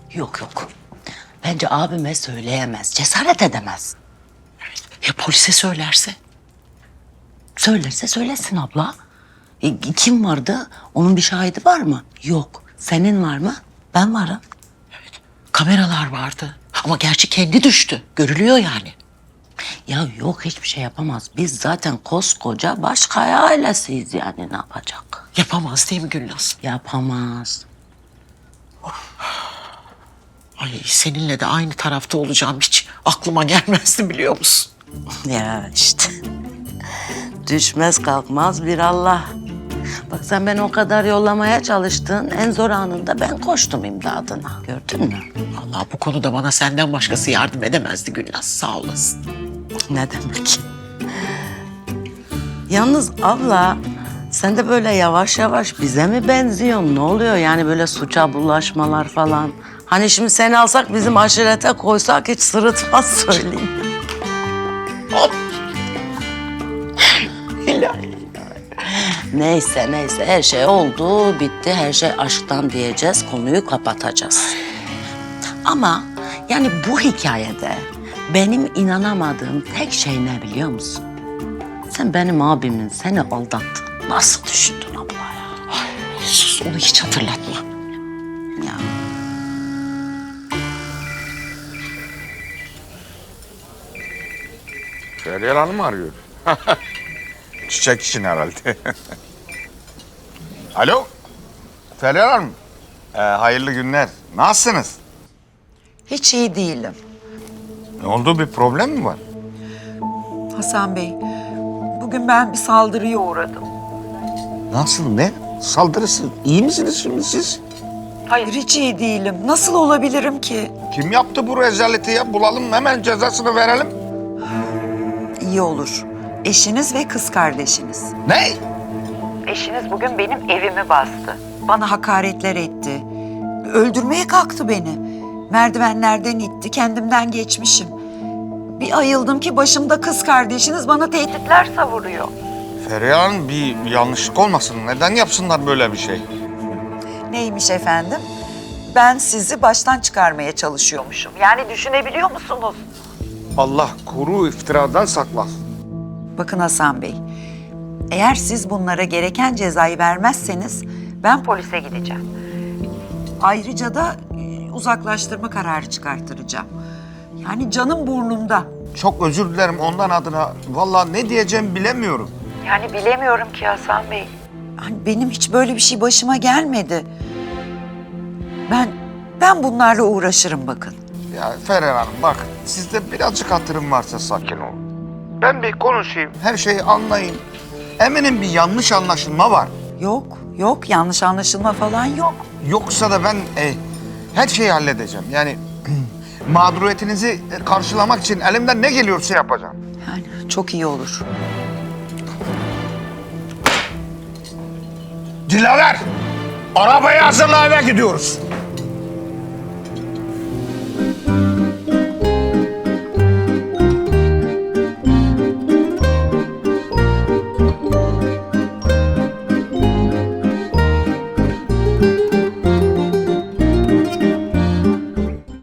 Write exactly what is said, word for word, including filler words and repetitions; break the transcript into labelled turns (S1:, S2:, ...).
S1: Yok yok. Bence abime söyleyemez. Cesaret edemez.
S2: Ya polise söylerse?
S1: Söylerse söylesin abla. E, kim vardı? Onun bir şahidi var mı? Yok. Senin var mı? Ben varım.
S2: Kameralar vardı. Ama gerçi kendi düştü. Görülüyor yani.
S1: Ya yok, hiçbir şey yapamaz. Biz zaten koskoca Başkaya ailesiyiz, yani ne yapacak?
S2: Yapamaz değil mi Gülnaz?
S1: Yapamaz.
S2: Ay seninle de aynı tarafta olacağım hiç aklıma gelmezdi biliyor musun?
S1: Ya işte. Düşmez kalkmaz bir Allah. Bak sen beni o kadar yollamaya çalıştın. En zor anında ben koştum imdadına. Gördün mü?
S2: Allah bu konuda bana senden başkası yardım edemezdi Gülnaz. Sağ olasın.
S1: Ne demek? Yalnız abla, sen de böyle yavaş yavaş bize mi benziyorsun? Ne oluyor yani böyle suça bulaşmalar falan? Hani şimdi seni alsak bizim aşirete koysak hiç sırıtmaz söyleyeyim.
S2: Hop. İlahi.
S1: Neyse neyse, her şey oldu, bitti. Her şey aşktan diyeceğiz, konuyu kapatacağız. Ama yani bu hikayede benim inanamadığım tek şey ne biliyor musun? Sen benim abimin seni aldattığını nasıl düşündün abla ya?
S2: Ay, sus onu hiç hatırlatma.
S1: Ya
S3: Feryal Hanım mı arıyor? Çiçek için herhalde. Alo? Feryal Hanım. Ee, hayırlı günler. Nasılsınız?
S4: Hiç iyi değilim.
S3: Ne oldu, bir problem mi var?
S4: Hasan Bey, bugün ben bir saldırıya uğradım.
S3: Nasıl, ne? Saldırısı. İyi misiniz şimdi siz?
S4: Hayır, hiç iyi değilim. Nasıl olabilirim ki?
S3: Kim yaptı bu rezaleti ya? Bulalım, hemen cezasını verelim.
S4: İyi olur. Eşiniz ve kız kardeşiniz.
S3: Ne?
S4: Eşiniz bugün benim evimi bastı. Bana hakaretler etti. Öldürmeye kalktı beni. Merdivenlerden itti, kendimden geçmişim. Bir ayıldım ki başımda kız kardeşiniz bana tehditler savuruyor.
S3: Feryal Hanım, bir yanlışlık olmasın. Neden yapsınlar böyle bir şey?
S4: Neymiş efendim? Ben sizi baştan çıkarmaya çalışıyormuşum. Yani düşünebiliyor musunuz?
S3: Allah kuru iftiradan saklasın.
S4: Bakın Hasan Bey, eğer siz bunlara gereken cezayı vermezseniz ben polise gideceğim. Ayrıca da e, uzaklaştırma kararı çıkarttıracağım. Yani canım burnumda.
S3: Çok özür dilerim ondan adına. Vallahi ne diyeceğimi bilemiyorum.
S4: Yani bilemiyorum ki Hasan Bey. Hani benim hiç böyle bir şey başıma gelmedi. Ben ben bunlarla uğraşırım bakın.
S3: Ya Feryal Hanım bak, sizde birazcık hatırım varsa sakin olun. Ben bir konuşayım, her şeyi anlayayım. Eminim bir yanlış anlaşılma var.
S4: Yok, yok yanlış anlaşılma falan yok.
S3: Yoksa da ben e, her şeyi halledeceğim. Yani mağduriyetinizi karşılamak için elimden ne geliyorsa yapacağım.
S4: Yani çok iyi olur.
S3: Dilaver, arabayı hazırla, eve gidiyoruz.